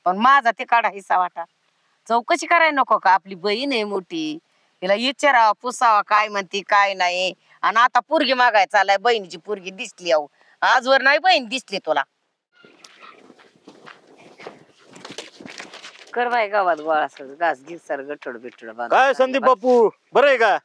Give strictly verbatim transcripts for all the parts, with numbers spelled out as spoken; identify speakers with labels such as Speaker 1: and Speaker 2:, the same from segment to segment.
Speaker 1: पण माझा ते काढा हिस्सा वाटा. चौकशी करायला नको का? आपली बहीण आहे मोठी, तिला विचारावा पुसावा काय म्हणती काय नाही. आणि आता पोरगी मागाय चालाय, बहिणीची पोरगी दिसली अहो, आजवर नाही बहीण दिसली तुला. कर बाय गावात गोळा सर घास घे सर गठड बिठड बांध.
Speaker 2: काय संदीप बापू बरं आहे का?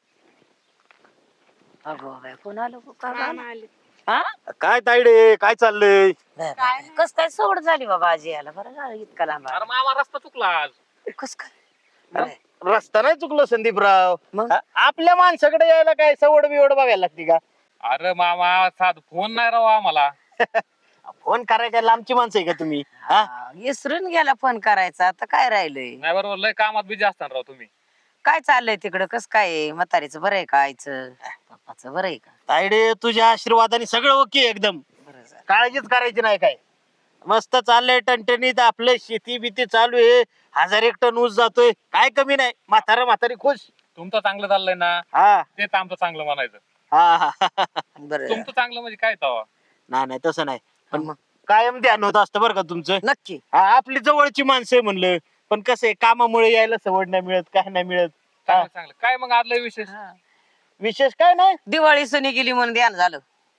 Speaker 1: अगो बाय कोण आलो का? हा
Speaker 2: काय तायडे काय चाललंय?
Speaker 1: कस काय सवड झाली बाबा आजी याला? बरं झालं इतका लांब आला.
Speaker 3: अरे मामा रस्ता चुकला आज.
Speaker 1: कस काय?
Speaker 2: रस्ता नाही चुकलो संदीपराव.
Speaker 1: मग?
Speaker 2: हा, आपल्या माणसाकडे यायला काय सवड बिवड बघायला लागते का?
Speaker 3: अरे मामा साध फोन नाही राव आम्हाला.
Speaker 2: फोन करायला लांबची माणसं आहे का तुम्ही? हा?
Speaker 1: हा, विसरून गेला फोन करायचा. आता काय राहिलंय?
Speaker 3: नाही बरोबर लय कामात बिझी असताना राव तुम्ही.
Speaker 1: काय चाललंय तिकडं? कस काय आहे? म्हातारीचं बरं आहे का? आईचं पप्पाचं बरं आहे का?
Speaker 2: तायडे तुझ्या आशीर्वादाने सगळं ओके एकदम.
Speaker 1: बरं झालं.
Speaker 2: काळजीच करायची नाही काय. मस्त चाललंय टणटणीत आपलं शेती बिती चालू आहे. हजार एक टन ऊस जातोय, काय कमी नाही. म्हातारा म्हातारी खुश.
Speaker 3: तुमचं चांगलं चाललंय ना,
Speaker 2: हा
Speaker 3: तेच आमचं चांगलं म्हणायचं.
Speaker 2: हा हा.
Speaker 1: बरं
Speaker 3: तुमचं चांगलं म्हणजे काय तवा?
Speaker 2: नाही नाही तसं नाही, पण
Speaker 1: मग
Speaker 2: कायम ध्यान होत असतं बरं का तुमचं.
Speaker 1: नक्की.
Speaker 2: हा, आपली जवळची माणसं आहे म्हणलं, पण कसं आहे कामामुळे यायला सवड नाही मिळत, काय नाही मिळत. हा,
Speaker 3: चांगलं चांगलं काय मग आदलं विशेष?
Speaker 1: हा.
Speaker 2: विशेष काय नाही.
Speaker 1: दिवाळी सणी गेली म्हणून ध्यान झालं.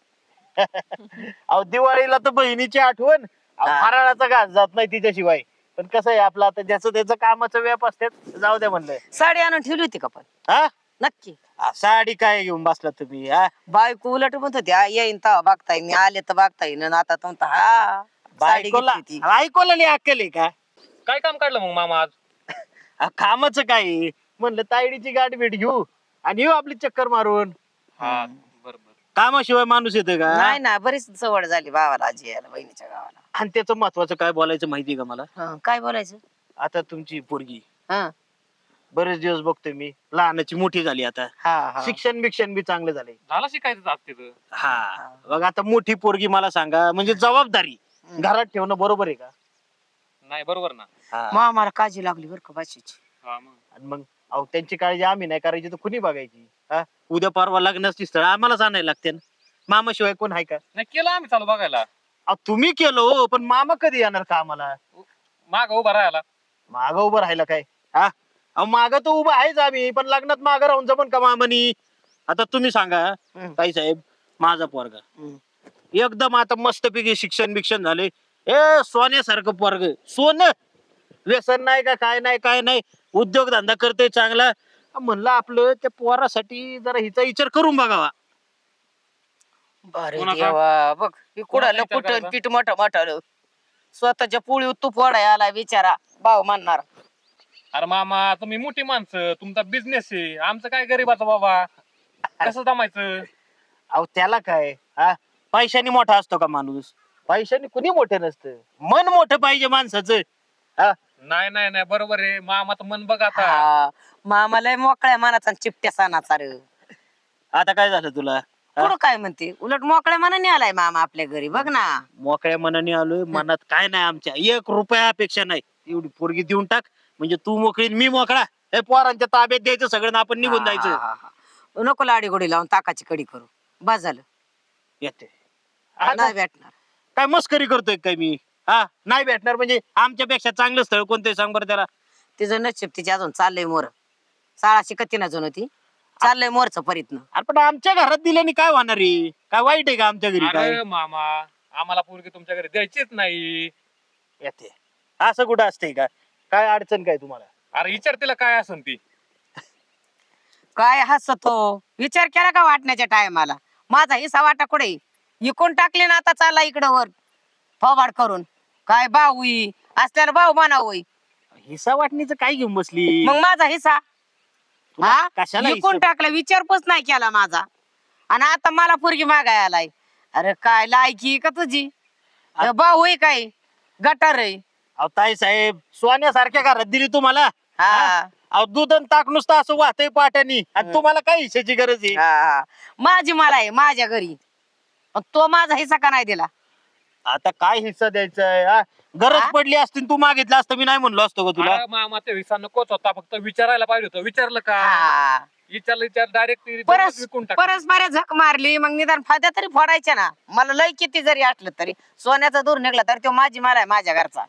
Speaker 2: अहो दिवाळीला तर बहिणीची आठवण. अहो,
Speaker 1: हा.
Speaker 2: फराळाचा घास जात नाही तिच्याशिवाय. पण कसं आहे आपलं आता ज्याचं त्याचं कामाचं व्याप असतात, जाऊ द्या म्हणलं.
Speaker 1: साडी आणून ठेवली होती का पण?
Speaker 2: हा
Speaker 1: नक्की.
Speaker 2: आ, साडी काय घेऊन बसला तुम्ही? हा
Speaker 1: बायको उलट म्हणत होती "आ, येईन तर बघता येईन, आले तर बघता येईन." आणि आता तो म्हणतो, हा साडी
Speaker 2: बायकोला
Speaker 1: घेतली ती.
Speaker 2: बायकोला नाही अक्कल आहे का?
Speaker 3: काय काम काढलं मग मामा आज?
Speaker 2: आ, कामाचं काय आहे? म्हणलं तायडीची गाडी भेट घेऊ आणि येऊ आपली चक्कर मारून.
Speaker 3: हा बरोबर.
Speaker 2: कामाशिवाय माणूस येतं का?
Speaker 1: नाही ना, बरीच सवड झाली भावाला आजी यायला, बहिणीच्या गावाला.
Speaker 2: आणि त्याचं महत्वाचं काय बोलायचं माहितीये का मला?
Speaker 1: हं, काय बोलायचं?
Speaker 2: आता तुमची पोरगी
Speaker 1: हा
Speaker 2: बरेच दिवस बघतोय मी, लहानाची मोठी झाली आता.
Speaker 1: हा हा.
Speaker 2: शिक्षण बिक्षण बी चांगलं झालंय.
Speaker 3: झालं शिकायचं आज तिथं.
Speaker 2: हा बघ आता मोठी पोरगी, मला सांगा म्हणजे जबाबदारी
Speaker 1: हम्म.
Speaker 2: घरात ठेवणं बरोबर आहे का?
Speaker 3: नाही बरोबर ना.
Speaker 2: हा.
Speaker 1: मग आम्हाला काळजी लागली बरं का भाषेची.
Speaker 3: हा मग
Speaker 2: आणि मग अहो त्यांची काळजी आम्ही नाही करायची तर कुणी बघायची? हा, उद्या परवा लग्नाची स्थळ आम्हालाच आणायला लागते ना. मामाशिवाय कोण आहे का?
Speaker 3: नाही केलं आम्ही चालू बघायला.
Speaker 2: अहो तुम्ही केलं हो, पण मामा कधी येणार का आम्हाला?
Speaker 3: माग उभा राहायला.
Speaker 2: मागं उभं राहिलं काय? हा, अहो मागं तर उभं आहेच आम्ही, पण लग्नात मागं राहून जमन का मामानी? आता तुम्ही सांगा
Speaker 1: हम्म.
Speaker 2: ताई साहेब, माझा पोरगा
Speaker 1: हम्म.
Speaker 2: एकदम आता मस्तपैकी शिक्षण बिक्षण झाले, ए सोन्यासारखं पोरग, सोनं, व्यसन नाही का काय नाही काय नाही, उद्योगधंदा करते चांगला. म्हणलं आपलं त्या पोरासाठी जरा हिचा विचार करून बघावा.
Speaker 1: अरे
Speaker 3: कोणाचा?
Speaker 1: देवा, बघ हे कुडालं
Speaker 3: विचार
Speaker 1: कुठं
Speaker 3: करायचा?
Speaker 1: पीठ मोठं मोठं स्वतःच्या पोळी तूप वडाय आला बिचारा, भाव म्हणणार.
Speaker 3: अरे मामा तुम्ही मोठी माणसं, तुमचा बिझनेस आहे, आमचं काय गरीबाचं बाबा, कसं जमायचं?
Speaker 2: अहो त्याला काय, हा पैशाने मोठा असतो का माणूस? पैशाने कुणी मोठं नसतं, मन मोठं पाहिजे माणसाचं. हा,
Speaker 3: नाही नाही नाही बरोबर आहे मामाचं मन बघ आता.
Speaker 1: हा, मामाला मोकळ्या मनाचा आणि चिपट्या सणाचा रे.
Speaker 2: आता काय झालं तुला?
Speaker 1: पुढं काय म्हणते? उलट मोकळ्या मनाने आलाय मामा आपल्या घरी, बघ ना.
Speaker 2: मोकळ्या मनाने आलोय, मनात काय नाही आमच्या, एक रुपया अपेक्षा नाही. एवढी पोरगी देऊन टाक म्हणजे तू मोकळी आणि मी मोकळा. हे पोरांच्या ताब्यात द्यायचं सगळं आणि आपण निघून
Speaker 1: हा,
Speaker 2: जायचं.
Speaker 1: हा, हा. नको लाडी गोडी लावून ताकाची कडी करू, बस झालं.
Speaker 2: येते
Speaker 1: नाही भेटणार.
Speaker 2: काय मस्करी करतोय काय मी? हा, नाही भेटणार म्हणजे आमच्यापेक्षा चांगलं स्थळ कोणतं आहे सांग बरं त्याला.
Speaker 1: तिचं नशीब तिची अजून चाललंय मोर, शाळा शिकती ना जणू ती, चाललंय मोरचं परीतनं.
Speaker 2: अरे पण आमच्या घरात दिल्याने काय होणार आहे? काय वाईट आहे का आमच्या घरी? काय
Speaker 3: अरे मामा आम्हाला पोरगी तुमच्या घरी द्यायचीच नाही.
Speaker 2: येते असं कुठं असतंय का? काय अडचण काय तुम्हाला?
Speaker 3: अरे विचार तिला काय असन ती.
Speaker 1: काय हसतो? विचार केला का वाटण्याच्या टायमाला? माझा हिस्सा वाटा कुठे इकून टाकले ना, आता चालला इकडं वर फवाड करून. काय भाऊ ही असल्यावर भाऊ म्हणा होई,
Speaker 2: हिस्सा वाटणीचं काय घेऊन बसली?
Speaker 1: मग माझा हिस्सा
Speaker 2: तुला
Speaker 1: हा
Speaker 2: कशाला
Speaker 1: इकून
Speaker 2: हिस्सा?
Speaker 1: टाकला, विचारपूस नाही केला माझा, आणि आता मला पोरगी मागाय आलाय. अरे काय लायकी का तुझी?
Speaker 2: आ-
Speaker 1: भाऊ होई काय गटार आहे?
Speaker 2: अहो ताई साहेब, सोन्यासारख्या घरात दिली तुम्हाला.
Speaker 1: हा
Speaker 2: अहो दूध आणि ताक नुसतं असं वाहतंय पाट्यानी, आणि
Speaker 1: हम्म.
Speaker 2: तुम्हाला काय हिस्साची गरज आहे?
Speaker 1: हा. माझी मला आहे माझ्या घरी, पण तो माझा हिस्सा का नाही दिला?
Speaker 2: आता काय हिस्सा द्यायचा आहे? हा? गरज
Speaker 1: हा?
Speaker 2: पडली असती तू मागितलं असतं, मी नाही म्हणलो असतो का तुला?
Speaker 3: अरे मामा ते विसा नकोच होता, फक्त विचारायला पाहिजे होतं. विचारलं का?
Speaker 1: हा.
Speaker 3: विचारलं विचार डायरेक्ट
Speaker 1: परस
Speaker 3: विकून टाक.
Speaker 1: परस्पर झक मारली, मग निदान फाद्या तरी फोडायच्या ना. मला लय किती जरी असलं तरी, सोन्याचा दूर निघला तरी तो माझी मला आहे माझ्या घरचा.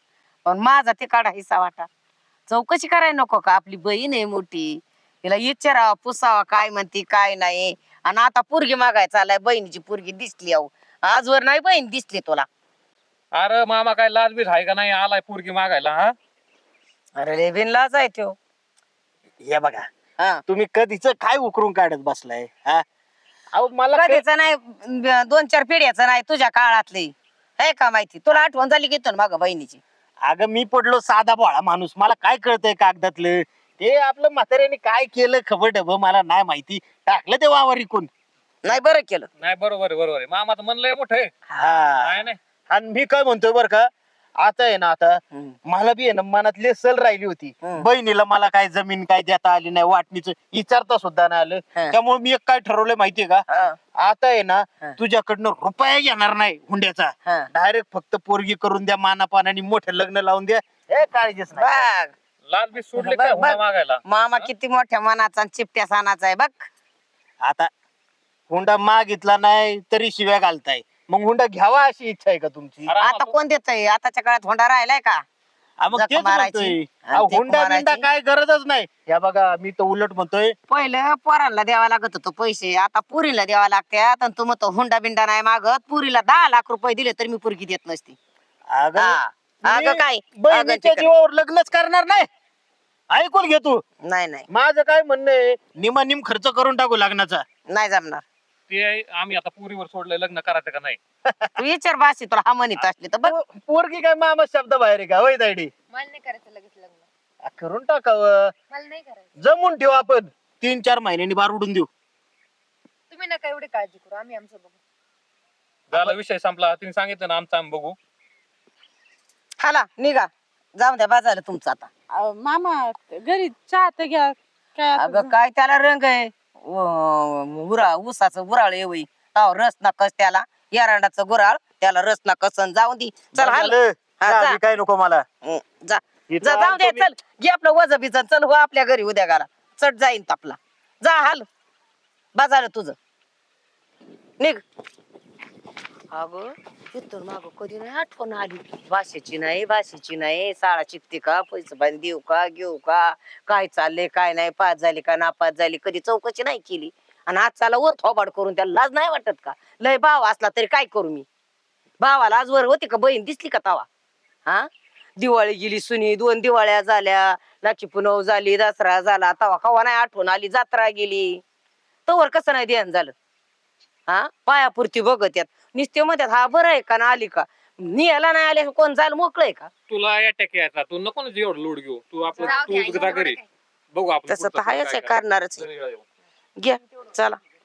Speaker 1: पण माझा ते काढा हिस्सा वाटा चौकशी करायला नको का आपली बहीण आहे मोठी तिला विचारावा पुसावा काय म्हणती काय नाही आणि आता पोरगी मागाय चाललाय बहिणीची पोरगी दिसली अहो आजवर नाही बहीण दिसली तुला
Speaker 3: अरे मामा काय लाज बीज आहे का नाही आलाय पोरगी मागायला हा
Speaker 1: अरे लय बिनलाज आहे त्यो
Speaker 2: हे बघा
Speaker 1: हा
Speaker 2: तुम्ही कधीच काय उकरून काढत बसलाय हा अहो मला काय-
Speaker 1: कधीच नाही ब- दोन चार पिढ्याचं नाही तुझ्या काळातली आहे का माहिती तुला आठवण झाली की माग बहिणीची
Speaker 2: अगं मी पडलो साधा भोळा माणूस मला काय कळतंय कागदातलं ते आपलं म्हाताऱ्याने काय केलं खबर डब मला नाही माहिती टाकलं ते वावर इकून
Speaker 1: नाही बरं केलं
Speaker 3: नाही बरोबर आहे बरोबर आहे मामा तर म्हणलंय मोठं आहे
Speaker 2: हा
Speaker 3: नाही नाही
Speaker 2: आणि मी काय म्हणतोय बर का आता आहे ना आता
Speaker 1: हम्म.
Speaker 2: मला बी आहे ना मनात लेसल राहिली होती
Speaker 1: हम्म.
Speaker 2: बहिणीला मला काय जमीन काय देता आली नाही वाटणीच विचारता सुद्धा नाही आलं
Speaker 1: हा.
Speaker 2: त्यामुळे मी एक काय ठरवलंय माहितीये का
Speaker 1: हा,
Speaker 2: आता आहे ना
Speaker 1: हा.
Speaker 2: तुझ्याकडनं रुपया घेणार नाही हुंड्याचा
Speaker 1: हा.
Speaker 2: डायरेक्ट फक्त पोरगी करून द्या मानापानाने मोठं लग्न लावून द्या हे काळजीच नाही
Speaker 1: बघ
Speaker 3: लाज बीज सोडले
Speaker 1: बघ,
Speaker 3: काय
Speaker 1: बघ.
Speaker 3: हुंडा मागायला
Speaker 1: मामा किती मोठ्या मनाचा आणि चिपट्या सानाचा आहे बघ
Speaker 2: आता हुंडा मागितला नाही तरी शिव्या घालताय मग हुंडा घ्यावा अशी इच्छा आहे का तुमची
Speaker 3: अरे
Speaker 1: आता
Speaker 3: तू-
Speaker 1: कोण देतय आताच्या काळात होंडा राहिलाय का
Speaker 2: हा, मग
Speaker 1: जख
Speaker 2: तेच
Speaker 1: मारायची
Speaker 2: म्हणतोय
Speaker 1: आणि
Speaker 2: अहो,
Speaker 1: टेक
Speaker 2: हुंडा बिंडा
Speaker 1: मारायची.
Speaker 2: काय गरजच नाही या बघा मी तर उलट म्हणतोय
Speaker 1: पहिलं पोरांना द्यावा लागत होतो पैसे आता पुरीला द्यावा लागतात आणि तू म्हणतो हुंडा बिंडा नाही मागत पुरीला दहा लाख रुपये दिले तर मी पुरगी देत नसती
Speaker 2: अगं
Speaker 1: हा. अगं
Speaker 2: मी
Speaker 1: काय?
Speaker 2: बहिणीच्या
Speaker 1: अगं ते
Speaker 2: जीवावर लग्नच करणार नाही ऐकून घे तू
Speaker 1: नाही नाही
Speaker 2: माझं काय म्हणणं आहे निमा निम खर्च करून टाकू लग्नाचा
Speaker 1: नाही जमणार
Speaker 3: ते आम्ही आता पुरीवर सोडलंय लग्न करायचं का नाही
Speaker 1: तू विचार बाशी तुला हा म्हणत असली तर बघ
Speaker 2: पो- पोरगी काय मामा शब्द बाहेर आहे का होय दायडी
Speaker 4: मला नाही करायचं लगेच लग्न
Speaker 2: आ, करून टाकावं
Speaker 4: मला नाही करायचं
Speaker 2: जमून ठेवू आपण तीन चार महिन्यांनी बार उडून देऊ
Speaker 4: तुम्ही नका एवढी काळजी करू आम्ही आमचं बघू
Speaker 3: झाला विषय संपला तिने सांगितलं ना आमचा आम्ही बघू
Speaker 1: हाला निघा जाऊ द्या बाजारला तुमचं आता
Speaker 5: अहो, मामा घरी चहा तर घ्या काय आता
Speaker 1: अगं काय त्याला रंग आहे उ- उरा ऊसाचं गुराळ येवई ताव रस ना कस त्याला एरांडाचं गुराळ त्याला रस ना कसन जाऊन दी चल हाल
Speaker 2: झालं.
Speaker 1: हा,
Speaker 2: चहा
Speaker 1: जा.
Speaker 2: बी काय नको मला
Speaker 1: हं, जा
Speaker 2: इथं
Speaker 1: जा जाऊ दे
Speaker 2: आलतो मी.
Speaker 1: चल घे आपलं वज बिज चल हो आपल्या घरी उद्या गाला चट जाईन तापला जा हाल बाजार तुझं निघ अगं तिथून माग कधी नाही आठवण आली भाषेची नाही भाषेची नाही शाळा शिकते का पैसे बांध देऊ का घेऊ का काय चाललंय काय नाही पास झाली का नापास झाली कधी चौकशी नाही केली आणि आज चाला वर थोबाड करून त्याला लाज नाही वाटत का लय भाव असला तरी काय करू मी भावाला आज वर होती का बहीण दिसली का तवा हा दिवाळी गेली सुनी दोन दिवाळ्या झाल्या लाखी पुनव झाली दसरा झाला तवा कवा नाही आठवण आली जत्रा गेली तवर कसं नाही ध्यान झालं हा पायापुरती बघत यात निस्ते म्हणतात हा बरं आहे का ना आली का नियाला नाही आले कोण जायला मोकळय का
Speaker 3: तुला अटॅक यायचा तू नको ना एवढं लोड घेऊ तू आपलं
Speaker 4: जाऊ
Speaker 3: तू
Speaker 4: द्या,
Speaker 3: जा
Speaker 4: एवढं
Speaker 3: घरी
Speaker 4: काय.
Speaker 3: बघू आपण
Speaker 1: तसं
Speaker 3: पुढचं
Speaker 1: तर हायच
Speaker 3: काय
Speaker 1: आहे
Speaker 3: करायचं.
Speaker 1: करणारच
Speaker 3: घरी जाऊ.
Speaker 1: घ्या चला